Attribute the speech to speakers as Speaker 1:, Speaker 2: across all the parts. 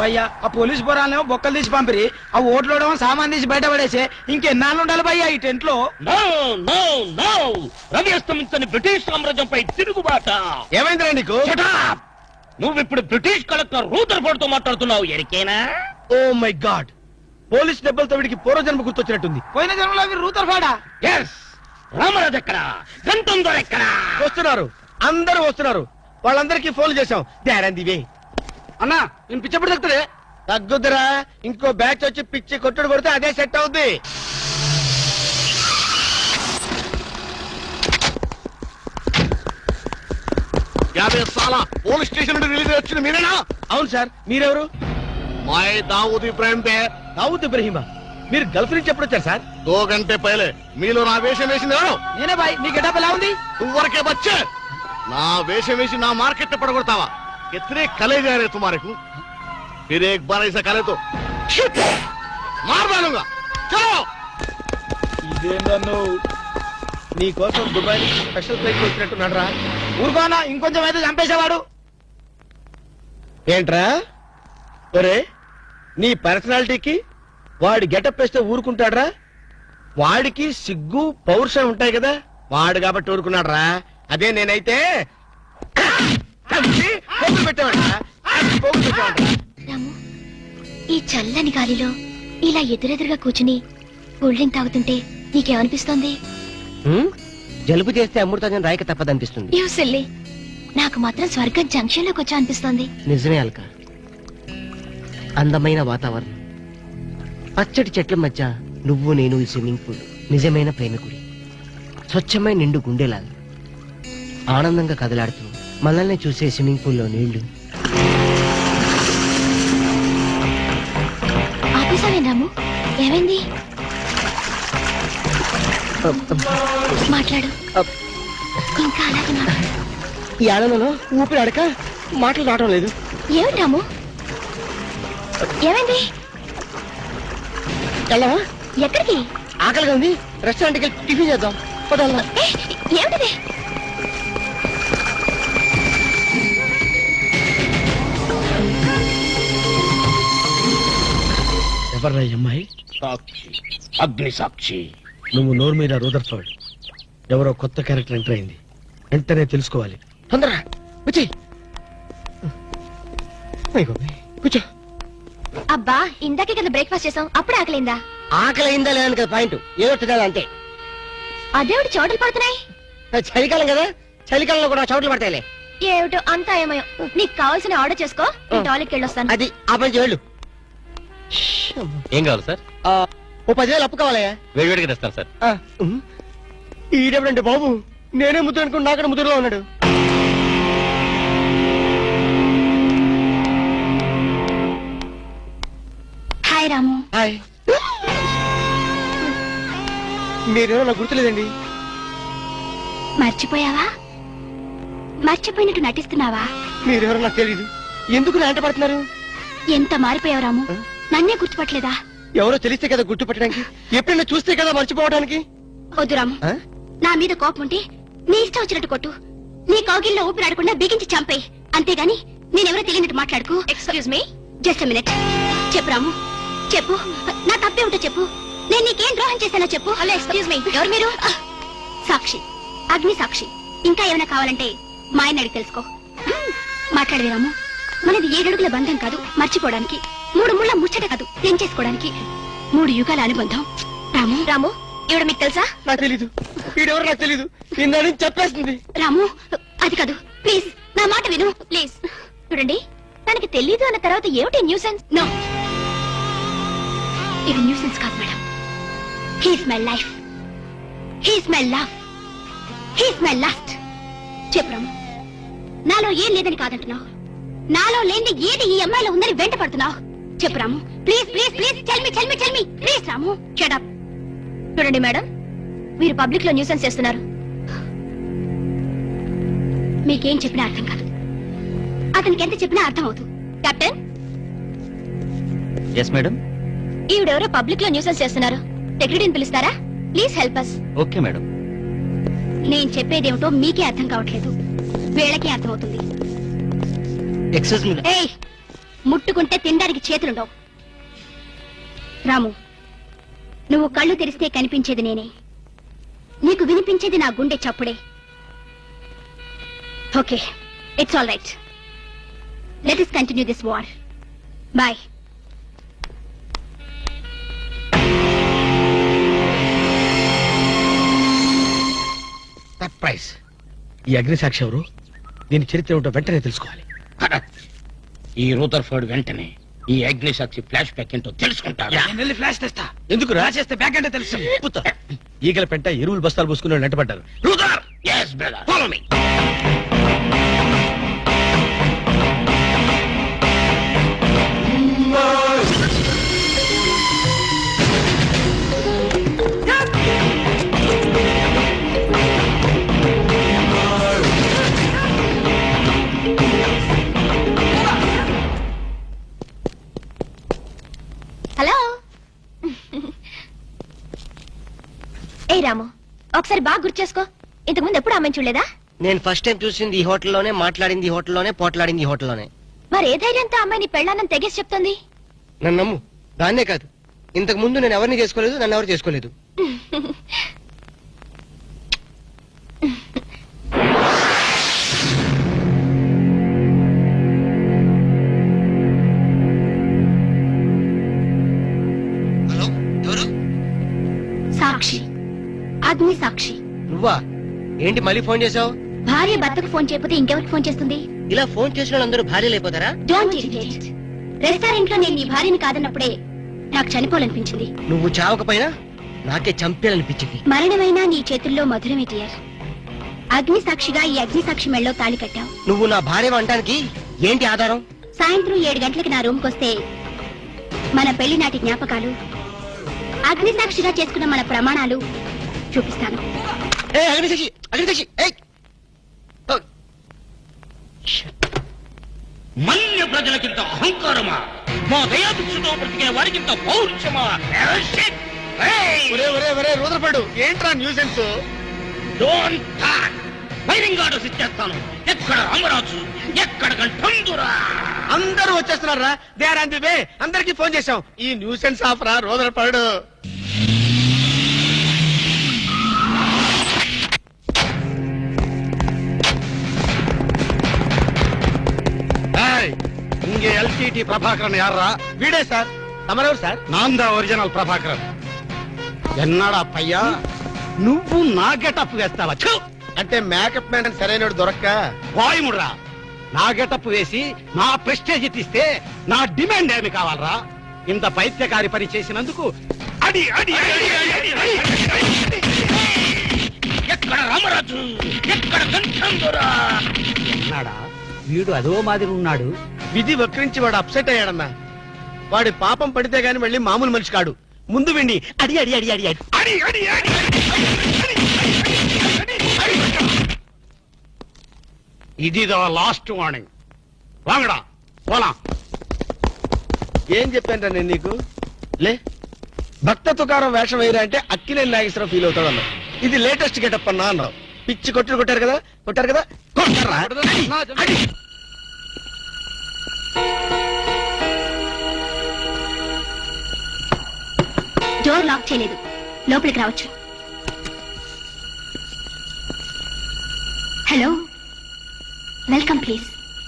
Speaker 1: భయ్యా ఆ పోలీసు పొరాలేమో బొక్కలు తీసి పంపిరి, ఆ ఓట్లోడేమో సామాన్ తీసి బయట పడేసే. ఇంకెన్నాళ్ళు ఉండాలి భయ్యా ఈ టెంట్ లో?
Speaker 2: రవి అస్తమించని బ్రిటిష్ సామ్రాజ్యంపై తిరుగుబాట.
Speaker 3: ఏమైందిరా నీకు?
Speaker 2: నువ్విప్పుడు బ్రిటిష్ కలెక్టర్ రూదర్ఫోర్డ్ తో మాట్లాడుతున్నావు. ఎరికేనా?
Speaker 3: ఓ మై గాడ్, పోలీస్ దెబ్బలతో వీడికి పూర్వజన్మ గుర్తొచ్చినట్టుంది.
Speaker 1: పోయిన జన్మలో మీరు రూతర్ఫోర్డా?
Speaker 2: ఎస్. రామరాజు ఎక్కడా? గంటందో ఎక్కడా?
Speaker 3: వస్తున్నారు, అందరూ వస్తున్నారు. వాళ్ళందరికీ ఫోన్ చేశాం. దేరందివే
Speaker 1: అన్నా నేను పిచ్చప్పుడు తగ్గుతుంది.
Speaker 3: తగ్గుద్దురా, ఇంకో బ్యాచ్ వచ్చి పిచ్చి కొట్టుడు కొడితే అదే సెట్ అవుద్ది.
Speaker 4: పోలీస్ స్టేషన్ నుండి రిలీజ్ వచ్చింది మీరేనా?
Speaker 3: అవును సార్, మీరెవరు?
Speaker 4: మై దావూద్ ఇబ్రాహిం దే.
Speaker 3: దావూద్ ఇబ్రహీమా, మీరు గల్ఫ్ నుంచి ఎప్పుడు వచ్చారు సార్?
Speaker 4: 2 గంటే పైలే. మీలో నా వేషం వేసింది ఎవరు?
Speaker 1: నేనే బాయ్. నీ గెటప్ ఎలా ఉంది?
Speaker 4: నువ్వరకే బచ్చే. నా వేషం వేసి నా మార్కెట్ పడగొడతావా? कितने कले जा रहे तुम्हारे को? फिर एक बार ऐसा करे तो मार डालूंगा. चलो.
Speaker 3: ఇదేందన్ను నీ కోసం దుబాయ్ స్పెషల్ ఫ్లైట్ వచ్చినట్టున్నాడు రా.
Speaker 1: ఊరుకోనా, ఇంకొంచెం అయితే చంపేసేవాడు.
Speaker 3: ఏంట్రా ఒరే, నీ పర్సనాలిటీకి వాడి గెటప్ వేస్తే ఊరుకుంటాడ్రా? వాడికి సిగ్గు పౌరుషం ఉంటాయి కదా, వాడు కాబట్టి ఊరుకున్నాడు రా. అదే నేనైతే
Speaker 5: రాము, ఈ చల్లని గాలిలో ఇలా ఎదురెదురుగా కూర్చుని కూల్ డ్రింక్ తాగుతుంటే నీకేమనిపిస్తోంది?
Speaker 6: జలుబు చేస్తే అమృతాజన్ రాయక తప్పదనిపిస్తుంది.
Speaker 5: యూ సిల్లీ, నాకు మాత్రం స్వర్గం జంక్షన్ లోకి వచ్చా అనిపిస్తోంది.
Speaker 6: నిజమే అల్క, అందమైన వాతావరణం, పచ్చటి చెట్ల మధ్య నువ్వు నేను ఈ స్విమ్మింగ్ పూల్ నిజమైన ప్రేమికుడి. స్వచ్ఛమైన నిండు గుండెలాగా ఆనందంగా కదలాడుతూ మనల్ని చూసే స్విమ్మింగ్ పూల్లో నీళ్లు.
Speaker 5: ఆపేసావేం రాము? ఏమైంది? మాట్లాడు, ఇంకా అలాగే మాట్లాడు.
Speaker 6: ఈ ఆనందంలో ఊపిరి అడక మాటలు రావడం లేదు.
Speaker 5: ఏమిటి రాము, ఏమైంది?
Speaker 6: వెళ్ళవా?
Speaker 5: ఎక్కడికి?
Speaker 6: ఆకలిగా ఉంది, రెస్టారెంట్కి వెళ్ళి టిఫిన్ చేద్దాం.
Speaker 5: ఏమిటిది?
Speaker 3: ఎవర్రా ఈ అమ్మాయి?
Speaker 2: సాక్షి, అగ్ని సాక్షి.
Speaker 3: నువ్వు నోరు మీద రూదర్ఫోర్డ్, ఎవరో కొత్త క్యారెక్టర్ ఎంటర్ అయింది. వెంటనే తెలుసుకోవాలి.
Speaker 6: తొందరగా వచ్చి కూర్చో.
Speaker 5: అబ్బా, ఇందాకే కదా బ్రేక్ఫాస్ట్ చేసాం, అప్పుడు ఆకలిందా?
Speaker 6: ఆకలి అయిందా లేదని కదా పాయింట్, ఏదో తినాలి అంతే.
Speaker 5: అదేమిటి చోటలు పడుతున్నాయి?
Speaker 6: చలికాలం కదా, చలికాలంలో కూడా చోట్లు పడతాయిలే.
Speaker 5: ఏమిటో అంతా ఏమయో. నీకు కావాల్సిన ఆర్డర్ చేసుకో, నేను టాయిలెట్కి వెళ్ళొస్తాను.
Speaker 6: అది ఆ పని చేయాలి.
Speaker 2: ఏం కావాలి సార్?
Speaker 6: ఓ 10,000 అప్పు కావాలయ్యా.
Speaker 2: వేడివేడిగా తెస్తాను సార్.
Speaker 6: ఈడెవడండి బాబు, నేనే ముద్దు అనుకుని నాకడ ముద్దులో ఉన్నాడు.
Speaker 5: హాయ్ రాము.
Speaker 6: హాయ్. మీరేమో నాకు గుర్తులేదండి.
Speaker 5: మర్చిపోయావా? మర్చిపోయినట్టు నటిస్తున్నావా?
Speaker 6: మీరెవరో నాకు తెలీదు. ఎందుకు నా వెంట పడుతున్నారు?
Speaker 5: ఎంత మారిపోయావు రాము, నన్నే గుర్తుపట్టలేదా?
Speaker 6: ఎవరో తెలిస్తే కదా గుర్తుపట్టడానికి, ఎప్పుడైనా చూస్తే కదా మర్చిపోవడానికి.
Speaker 5: వద్దు రాము, నా మీద కోపం ఉంటే నీ ఇష్టం వచ్చినట్టు కొట్టు, నీ కౌగిల్లో ఊపిరాడకుండా బిగించి చంపేయి. అంతేగాని నేనెవరో తెలియనట్టు మాట్లాడుకో. Excuse me, just minute. చెప్పు రాము, చెప్పు. నా తప్పే ఉంటే చెప్పు. నేను నీకేం ద్రోహం చేశానో చెప్పు. హలో, ఎక్స్క్యూజ్ మీ, ఎవరు మీరు? సాక్షి, అగ్ని సాక్షి. ఇంకా ఏమైనా కావాలంటే మా ఆయన అడిగి తెలుసుకో. మాట్లాడవే రాము, మనది 7 అడుగుల బంధం కాదు మర్చిపోవడానికి, 3 ముళ్ళ ముచ్చట కాదు తెంచేసుకోవడానికి, 3 యుగాల అనుబంధం. రాము, రాము, ఇవిడ మీకు తెలుసా?
Speaker 6: నాకు తెలీదు. వీడెవరు నాకు తెలీదు. ఇందని చెప్పేస్తుంది.
Speaker 5: రాము, అది కాదు, ప్లీజ్ నా మాట విను, ప్లీజ్. చూడండి, తనకి తెలీదు అన్న తర్వాత ఏమిటి న్యూసెన్స్? నో, ఇది న్యూసెన్స్ కాదు madam. He's my life, he's my love, he's my last. చెప్పు రాము, నాలో ఏం లేదని కాదంటున్నావు, నాలో లేని ఏది ఈ అమ్మాయిలో ఉందని వెంట పడుతున్నావు. చెప్పు Ramu, please please please, tell me please. Ramu, shut up. చూడండి మేడం, మీరు పబ్లిక్ లో న్యూసెన్స్ చేస్తున్నారు. మీకేం చెప్పినా అర్థం కాదు, అతనికి ఎంత చెప్పినా అర్థం అవుతుంది. కెప్టెన్.
Speaker 2: Yes madam.
Speaker 5: ఈవిడెవరో పబ్లిక్ లో న్యూసెన్స్ చేస్తున్నారు, సెక్రటరీని పిలుస్తారా? Please help us.
Speaker 2: Okay madam.
Speaker 5: నేను చెప్పేదేమిటో మీకే అర్థం కావట్లేదు, వీళ్ళకే అర్థం అవుతుంది.
Speaker 6: Excuse me.
Speaker 5: ఏయ్, ముట్టుకుంటే తినడానికి చేతులుండవు. రాము, నువ్వు కళ్ళు తెరిస్తే కనిపించేది నేనే, నీకు వినిపించేది నా గుండె చప్పుడే. Okay, it's all right. Let us continue this war. Bye.
Speaker 3: Surprise. ఈ అగ్నిసాక్షి ఎవరు? దీని చరిత్ర ఏమిటో వెంటనే తెలుసుకోవాలి.
Speaker 2: ఈ రూదర్ఫర్డ్ వెంటనే ఈ అగ్నిసాక్షి ఫ్లాష్ బ్యాక్ ఏంటో తెలుసుకుంటాడు.
Speaker 1: నేను వెళ్ళి ఫ్లాష్ తెస్తా.
Speaker 3: ఎందుకు రా?
Speaker 1: చేస్తే బ్యాక్ అంటే తెలుసు.
Speaker 3: ఈగల పెంట ఎరువులు బస్తాలు పూసుకుని నెట్టబడ్డారు.
Speaker 2: రూదర్, yes brother, follow me.
Speaker 5: Hello. ఏ రాము, ఒకసారి బాగా గుర్తు చేసుకో. ఇంతకుముందు ఎప్పుడు ఆమెను చూడలేదా?
Speaker 6: నేను ఫస్ట్ టైం చూసింది ఈ హోటల్లోనే, మాట్లాడింది ఈ హోటల్లోనే, పోట్లాడింది ఈ హోటల్లోనే.
Speaker 5: మరి ఏ ధైర్యంతో అమ్మాయిని పెళ్ళానని తెగేసి చెప్తుంది?
Speaker 6: నన్ను నమ్ము. దాన్నే కాదు, ఇంతకు ముందు నేను ఎవరిని చేసుకోలేదు, నన్ను ఎవరు చేసుకోలేదు. హలో, ఎవరు?
Speaker 5: సాక్షి, అగ్ని సాక్షి.
Speaker 6: నువ్వా? ఏంటి మళ్ళీ ఫోన్ చేసావు?
Speaker 5: భార్య భర్తకు ఫోన్ చేయకపోతే ఇంకెవరికి ఫోన్ చేస్తుంది?
Speaker 6: ఇలా ఫోన్ చేసిన వాళ్ళందరూ భార్యలు అయిపోతారా?
Speaker 5: Don't irritate. రెస్టారెంట్ లో నేను నీ భార్యని కాదన్నప్పుడే నాకు చనిపోవాలనిపించింది.
Speaker 6: నువ్వు చావకపోయినా నాకే చంపేయాలనిపించింది.
Speaker 5: మరణమైనా నీ చేతుల్లో మధురమే డియర్. అగ్ని సాక్షిగా ఈ అగ్ని సాక్షి మెళ్ళలో తాళి కట్టావు.
Speaker 6: నువ్వు నా భార్య అంటానికి ఏంటి ఆధారం?
Speaker 5: సాయంత్రం 7 గంటలకి నా రూమ్ కొస్తే మన పెళ్లి నాటి జ్ఞాపకాలు, అగ్ని సాక్షిగా చేసుకున్న మన ప్రమాణాలు చూపిస్తాను.
Speaker 6: ఏ అగ్నిసాక్షి, అగ్నిసాక్షి, ఏయ్! ఓ!
Speaker 2: మన్య ప్రజలకింత అహంకారమా? మా దయాభిక్షతో బ్రతికే వారికింత పౌరుషమా?
Speaker 3: రూదర్ఫర్డ్, ఏంట్రా nuisance?
Speaker 2: Don't talk. Firing orders ఇచ్చేస్తాను. ఎక్కడ రామరాజు, ఎక్కడ గంటందురా?
Speaker 3: అందరూ వచ్చేస్తున్నారా? They are on the way. అందరికి ఫోన్ చేశాం. ఈ న్యూసెన్స్ ఆఫ్ రా రూదర్ఫర్డ్.
Speaker 4: இங்கே எல்டிடி பிரபாகரன் யாரா?
Speaker 3: వీడే సార్. తమరెవరు సార్?
Speaker 4: நான் தான் ఒరిజినల్ ప్రభాకరన్. ఎన్నాడా పయ్యా, నువ్వు నా గెటప్ వేస్తావా? ఛు!
Speaker 3: అంటే మేకప్ మ్యాన్ సరైనడు దొరక్క
Speaker 4: వాయుముడ్రా. నా గెటప్ వేసి నా ప్రెస్టేజ్ తీస్తే నా డిమాండ్ ఏమి కావాలరా? ఇంత పైత్యకారి పని చేసినందుకు అడి అడి అడి అడి అడి అడి.
Speaker 2: ఎక్కడ రామరాజు, ఎక్కడ గంటందురా?
Speaker 4: ఎన్నాడా వీడు అదో మాదిరి ఉన్నాడు.
Speaker 3: విధి వక్రించి వాడు అప్సెట్ అయ్యాడన్నా. వాడి పాపం పడితే గాని మళ్ళీ మామూలు మనిషి కాడు. ముందు విండి అడి అడి అడి అడి అడి
Speaker 4: అడి అడి అడి ఇది లాస్ట్ వార్నింగ్. వాంగడా పోలా.
Speaker 3: ఏం చెప్పాను నేను నీకు? లే, భక్త తుకారం వేషం వేయరా అంటే అక్కినేని నాగేశ్వరరావు ఫీల్ అవుతాడు అన్నావు. ఇది లేటెస్ట్ గెటప్ అన్నా అన్నావు. పిచ్చి కొట్టారు కదా, కొట్టారు కదా, కొట్టారా? అడి.
Speaker 5: డోర్ లాక్ చేయలేదు, లోపలికి రావచ్చు. Hello, welcome please.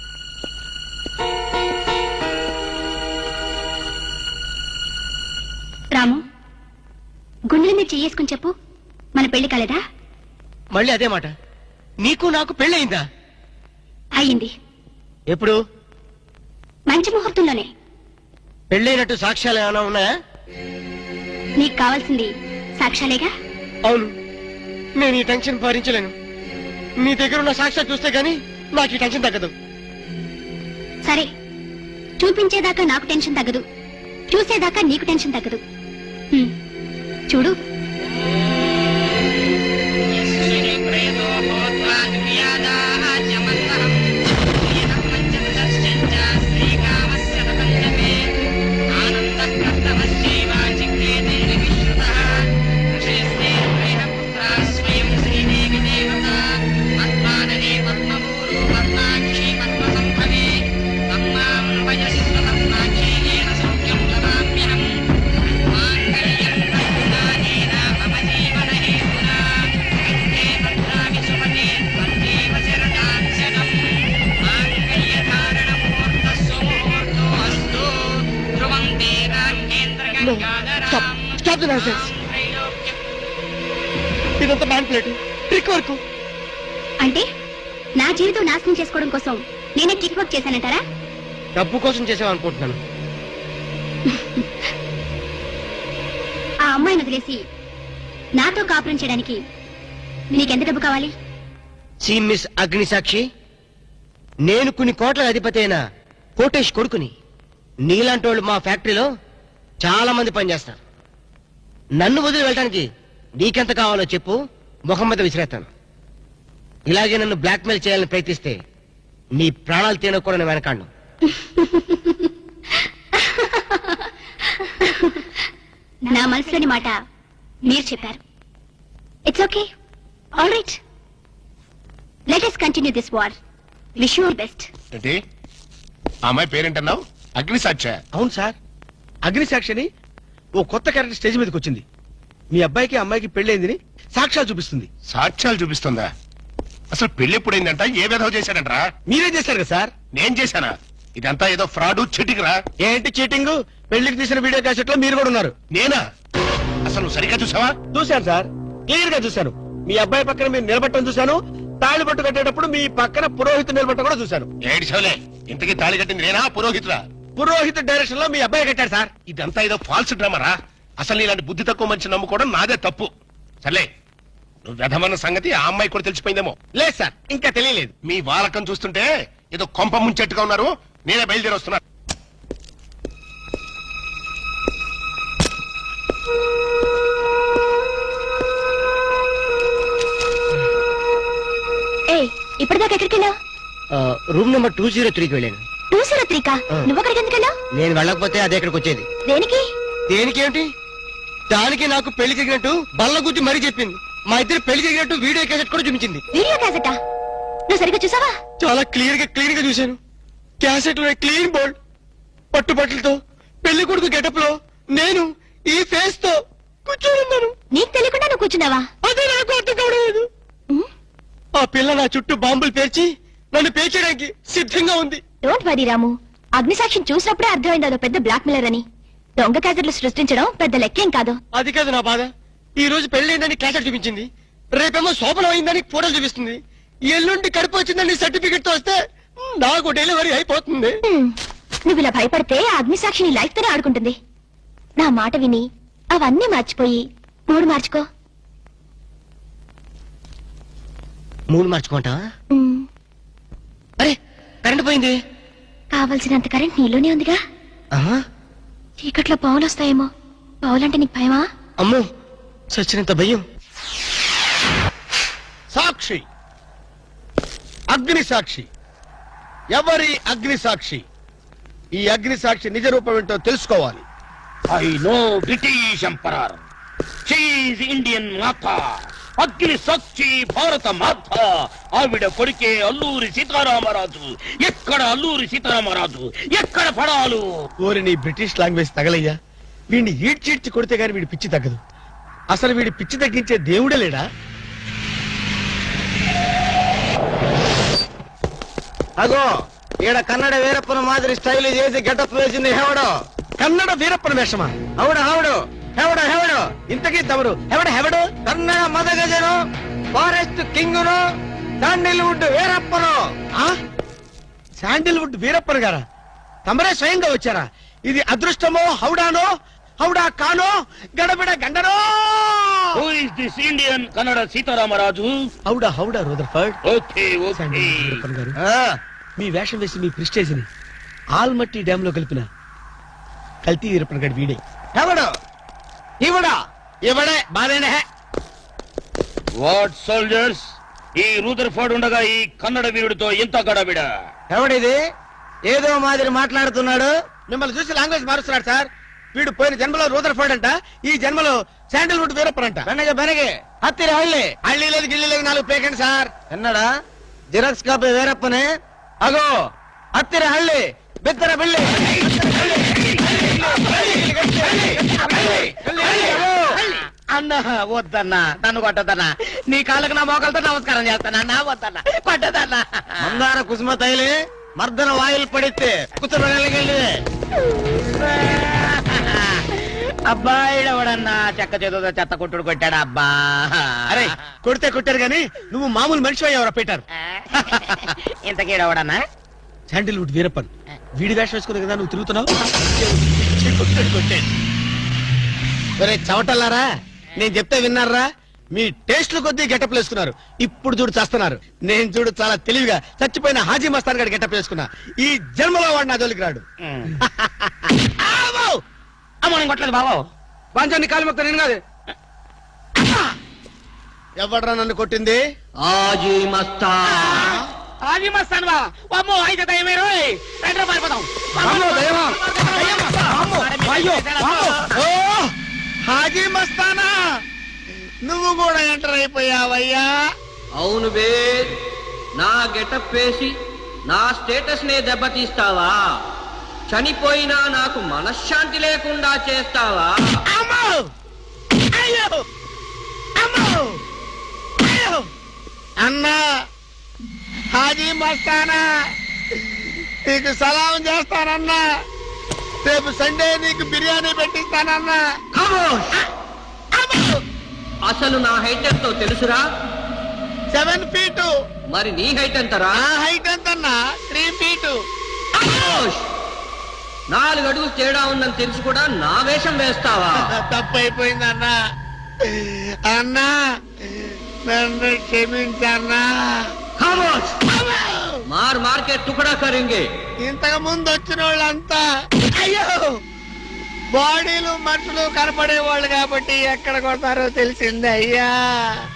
Speaker 5: రాము, గుండెల మీద చెయ్యేసుకుని చెప్పు, మన పెళ్లి కాలేదా?
Speaker 6: మళ్ళీ అదే మాట. నీకు నాకు పెళ్ళయిందా?
Speaker 5: అయ్యింది.
Speaker 6: ఎప్పుడు?
Speaker 5: మంచి ముహూర్తంలోనే.
Speaker 6: పెళ్ళైనట్టు సాక్ష్యాలు ఏమైనా ఉన్నాయా?
Speaker 5: నీకు కావాల్సింది సాక్ష్యాలేగా.
Speaker 6: అవును, నేను ఈ టెన్షన్ భరించలేను. నీ దగ్గర ఉన్న సాక్ష్యాలు చూస్తే గానీ నాకు ఈ టెన్షన్ తగ్గదు.
Speaker 5: సరే, చూపించేదాకా నాకు టెన్షన్ తగ్గదు, చూసేదాకా నీకు టెన్షన్ తగ్గదు. చూడు.
Speaker 3: ఇదంతా మ్యాన్ ప్లేట్ ట్రిక్ వర్క్.
Speaker 5: అంటే నా జీవితం నాశనం చేసుకోవడం కోసం నేనే ట్రిక్ వర్క్ చేశానంటారా?
Speaker 6: డబ్బు కోసం చేసామనుకుంటున్నాను.
Speaker 5: ఆ అమ్మాయిని వదిలేసి నాతో కాపురం చేయడానికి నీకెంత డబ్బు కావాలి?
Speaker 6: సి మిస్ అగ్నిసాక్షి, నేను కొన్ని కోట్ల అధిపతి అయిన కోటేష్ కొడుకుని. నీలాంటి వాళ్ళు మా ఫ్యాక్టరీలో చాలా మంది పనిచేస్తారు. నన్ను వదిలి వెళ్ళడానికి నీకెంత కావాలో చెప్పు, ముఖం మీద విసిరేస్తాను. ఇలాగే నన్ను బ్లాక్మెయిల్ చేయాలని ప్రయత్నిస్తే నీ ప్రాణాలు తీయడం కూడా నేను వెనకాడను.
Speaker 5: నా మనసులోని మాట మీరు చెప్పారు. It's okay, all right, let us continue this war. Wish you all best.
Speaker 4: ఏంటి ఆ అమ్మాయి పేరేంటన్నావు? అగ్నిసాక్ష?
Speaker 3: అవును సార్, అగ్నిసాక్షిని ఓ కొత్త క్యారెక్టర్ స్టేజ్ మీదకి వచ్చింది. మీ అబ్బాయికి అమ్మాయికి పెళ్ళైందని సాక్ష్యాలు చూపిస్తుంది.
Speaker 4: సాక్ష్యాలు చూపిస్తుందా? అసలు పెళ్లి ఎప్పుడైందంట? ఏ విధవ చేశాడంట్రా?
Speaker 3: మీరే చేశారు కదా సార్?
Speaker 4: నేను చేశానా? ఇదంతా ఏదో ఫ్రాడ్ చీటింగ్ రా.
Speaker 3: ఏంటి చీటింగ్? పెళ్లికి తీసిన వీడియో క్యాసెట్ లో మీరు కూడా ఉన్నారు.
Speaker 4: నేనా? అసలు నువ్వు సరిగ్గా చూసావా?
Speaker 3: చూశాను సార్, క్లియర్ గా చూశాను. మీ అబ్బాయి పక్కన మీరు నిలబట్టడం చూశాను. తాళి పట్టు కట్టేటప్పుడు మీ పక్కన పురోహితు నిలబట్టడం కూడా చూశాను.
Speaker 4: ఏడు చోలే, ఇంతకీ తాళి కట్టింది నేనా పురోహితుడా?
Speaker 3: పురోహిత డైరెక్షన్ లో మీ అబ్బాయి కట్టాడు సార్.
Speaker 4: ఇదంతా ఏదో ఫాల్స్ డ్రామా రా. అసలు ఇలాంటి బుద్ధి తక్కువ మనిషి నమ్ముకోవడం నాదే తప్పు. సర్లే, నువ్వు వెధమన్న సంగతి ఆ అమ్మాయి కూడా తెలిసిపోయిందేమో.
Speaker 3: లేదు సార్, ఇంకా తెలియలేదు.
Speaker 4: మీ వాలకం చూస్తుంటే ఏదో కొంప ముంచెట్టుగా ఉన్నారు. నేనే బయలుదేరి వస్తున్నా.
Speaker 5: ఏయ్, ఇప్పటిదాకా ఎక్కడికి వెళ్ళావు?
Speaker 6: రూమ్ నెంబర్ 203కి వెళ్ళాను.
Speaker 5: 203 కా? నువ్వు అక్కడికి ఎందుకు వెళ్ళావు?
Speaker 6: నేను వెళ్ళకపోతే అదే ఇక్కడికి వచ్చేది.
Speaker 5: దేనికి?
Speaker 6: దేనికేమిటి? దానికి నాకు పెళ్లి జరిగినట్టు బల్ల గుద్ది మరీ చెప్పింది. మా ఇద్దరు పెళ్లి జరిగినట్టు వీడియో క్యాసెట్ కూడా చూపించింది.
Speaker 5: వీడియో క్యాసెటా? నువ్వు సరిగ్గా చూసావా?
Speaker 6: చాలా క్లియర్ గా చూశాను. క్యాసెట్ లో క్లీన్ బోల్డ్ పట్టుబట్టలతో పెళ్లి కొడుకు గెటప్ లో నేను ఈ ఫేస్ తో కూర్చోనున్నాను.
Speaker 5: నీకు తెలియకుండా నువ్వు కూర్చున్నావా?
Speaker 6: అదే నాకు అర్థం కావడం.
Speaker 5: ఉమ్,
Speaker 6: ఆ పిల్ల నా చుట్టూ బాంబులు పేర్చి నన్ను పేర్చడానికి సిద్ధంగా ఉంది.
Speaker 5: డోంట్ వరీ రాము, అగ్నిసాక్షిని చూసినప్పుడే అర్థమైంది అదో పెద్ద బ్లాక్ మెయిలర్ అని. దొంగ క్యాసెట్లు సృష్టించడం పెద్ద లెక్కేం కాదు.
Speaker 6: అది కాదు నా బాధ. ఈ రోజు పెళ్లి క్యాసెట్ చూపించింది, రేపేమో శోభనం అయిందని ఫోటోలు చూపిస్తుంది, ఎల్లుండి కడుపు వచ్చిందని సర్టిఫికెట్ తో వస్తే నాకు డెలివరీ అయిపోతుంది.
Speaker 5: ఉమ్, నువ్వు ఇలా భయపడితే ఆ అగ్నిసాక్షిని లైఫ్ తోనే ఆడుకుంటుంది. నా మాట విని అవన్నీ మర్చిపోయి మూడు మార్చుకో.
Speaker 6: మూడు మార్చుకుంటా?
Speaker 5: ఉమ్,
Speaker 6: అరే కరెంట్ పోయింది.
Speaker 5: కావలసినంత కరెంట్ నీలోనే ఉందిగా.
Speaker 6: ఆహా,
Speaker 5: చీకట్లో పావులు వస్తాయేమో. పావులంటే నీకు భయమా?
Speaker 6: అమ్మో, సచ్చినంత భయం.
Speaker 3: సాక్షి, అగ్ని సాక్షి. ఎవరి అగ్ని సాక్షి? ఈ అగ్ని సాక్షి నిజ రూపం ఏంటో తెలుసుకోవాలి.
Speaker 2: ఐ నో బ్రిటిష్ ఎంపరర్, షీఈ్ ఇండియన్ మాత, అగ్ని సాక్షి భారత మాత. ఆవిడ కొడుకే అల్లూరి సీతారామరాజు. ఎక్కడ అల్లూరి సీతారామరాజు, ఎక్కడ పడాలు?
Speaker 3: ఓరి నీ బ్రిటిష్ లాంగ్వేజ్ తగలయ్యా. వీడిని ఈడ్చిడ్చి కొడితే గాని వీడి పిచ్చి తగ్గదు. అసలు వీడి పిచ్చి తగ్గించే దేవుడే లేడా?
Speaker 1: అగో ఈడ కన్నడ వీరప్పన మాదిరి స్టైల్ చేసి గెటప్ వేసింది హెవడో.
Speaker 3: కన్నడ వీరప్పన వేషమా?
Speaker 1: అవుడు హెవడు హెవడు హెవడు
Speaker 3: ఇంతకీ తమరు హెవడు?
Speaker 1: కన్నడ మదగజను, ఫారెస్ట్ కింగును, శాండిల్వుడ్ వీరప్పను.
Speaker 3: ఆ? శాండిల్వుడ్ వీరప్పన్ గారా? తమరే స్వయంగా వచ్చారా? ఇది అదృష్టమో హౌడానో, హౌడా కానో, గడబిడ గండనో?
Speaker 2: Who is this Indian Kannada Sitaramaraju?
Speaker 3: హౌడా Rutherford.
Speaker 2: Okay okay.
Speaker 3: Sandalwood Veerappan గారు,
Speaker 1: ఆ,
Speaker 3: మీ వేషం వేసి మీ ప్రిస్టేజ్ ని ఆల్మట్టి డ్యామ్ లో కలిపిన కల్తీ వీరప్పన్ గారి వీడే.
Speaker 1: హెవడు ఇవడా ఇవడే బాధేనే.
Speaker 2: వాట్ సోల్జర్స్, ఈ రూదర్ఫర్డ్ ఉండగా ఈ కన్నడ వీరుడితో ఎంత గడబిడ?
Speaker 1: ఎవడిది ఏదో మాదిరి మాట్లాడుతున్నాడు?
Speaker 3: మిమ్మల్ని చూసి లాంగ్వేజ్ మారుస్తున్నాడు సార్. వీడు పోయిన జన్మలో రూదర్ఫర్డ్ అంట, ఈ జన్మలో శాండిల్వుడ్ వీరప్పన్ అంట.
Speaker 1: బెనగే హత్తిరి హళ్ళి
Speaker 3: హళ్ళీ లేదు గిల్లి లేదు, 4 పేకండి సార్.
Speaker 1: ఎన్నడా జిరాక్స్ కాపీ వీరప్పనే. అగో హత్తిరి హళ్ళి బిత్తర బిల్లి.
Speaker 6: అన్నా వద్దన్నా, నన్ను కొట్టదన్నా. నీ కాళ్ళకు నా మోకాలతో నమస్కారం చేస్తానన్నా. వద్దన్నా, కొట్టదన్నా.
Speaker 1: మందార కుసుమ తైలి మర్దన వాయిల్ పడితే కుతురగలిగి
Speaker 2: అబ్బాయి ఎవడన్నా చెక్క చేతుతో చెత్త కొట్టుడు కొట్టాడు అబ్బా.
Speaker 3: అరే కొడితే కొట్టారు గాని నువ్వు మామూలు మనిషి అయ్యావరా పీటర్.
Speaker 2: ఇంతకీడవడన్నా
Speaker 3: శాండిల్వుడ్ వీరప్పన్ వీడి వేషం వేసుకునే కదా నువ్వు తిరుగుతున్నావు. ఒరే చవటల్లారా, నేను చెప్తే విన్నారా? మీ టేస్ట్లు కొద్దీ గెటప్ వేసుకున్నారు. ఇప్పుడు చూడు చేస్తున్నారు. నేను చూడు చాలా తెలివిగా చచ్చిపోయిన హాజీ మస్తాన్ గారి గెటప్ వేసుకున్నా. ఈ జన్మలో వాడు నా జోలికి రాడు.
Speaker 2: అమ్మని కొట్టలేదు బాబు.
Speaker 1: బాంచాన్ని కాలు మొక్క నేను కాదు.
Speaker 3: ఎవడ్రా నన్ను కొట్టింది?
Speaker 6: ఆజీ మస్తా
Speaker 2: అది మస్తాను బా. అమ్మో అయితే దయమే రోయ్. రండ్రా పారిపోదాం.
Speaker 1: అమ్మో, దయ్యమా? అమ్మో, అయ్యో, అమ్మో.
Speaker 3: ఓ హాజీ మస్తానా, నువ్వు కూడా ఎంటర్ అయిపోయావయ్యా.
Speaker 6: అవును బే, నా గెటప్ వేసి నా స్టేటస్ నే దెబ్బతీస్తావా? చనిపోయినా నాకు మనశ్శాంతి లేకుండా చేస్తావా?
Speaker 3: అమ్మో అయ్యో అమ్మో అయ్యో అన్నా, హాజీ మస్తానా నీకు సలాం చేస్తానన్నా. రేపు సండే నీకు బిర్యానీ పెట్టిస్తానన్నా.
Speaker 6: అసలు నా హైట్ ఎంతో తెలుసురా?
Speaker 3: 7 feet.
Speaker 6: మరి నీ హైట్ ఎంతరా?
Speaker 3: నా హైట్ ఎంతన్నా? 3 feet.
Speaker 6: 4 అడుగులు తేడా ఉందని తెలిసి కూడా నా వేషం వేస్తావా?
Speaker 3: తప్పైపోయింది అన్నా. అన్నా నన్ను క్షమించన్నా.
Speaker 6: మార్ మార్కెట్ టుకడా కరింగే.
Speaker 3: ఇంతకు ముందు వచ్చిన వాళ్ళంతా అయ్యో బాడీలు మనుషులు కనపడే వాళ్ళు కాబట్టి ఎక్కడ కొడతారో తెలిసింది అయ్యా.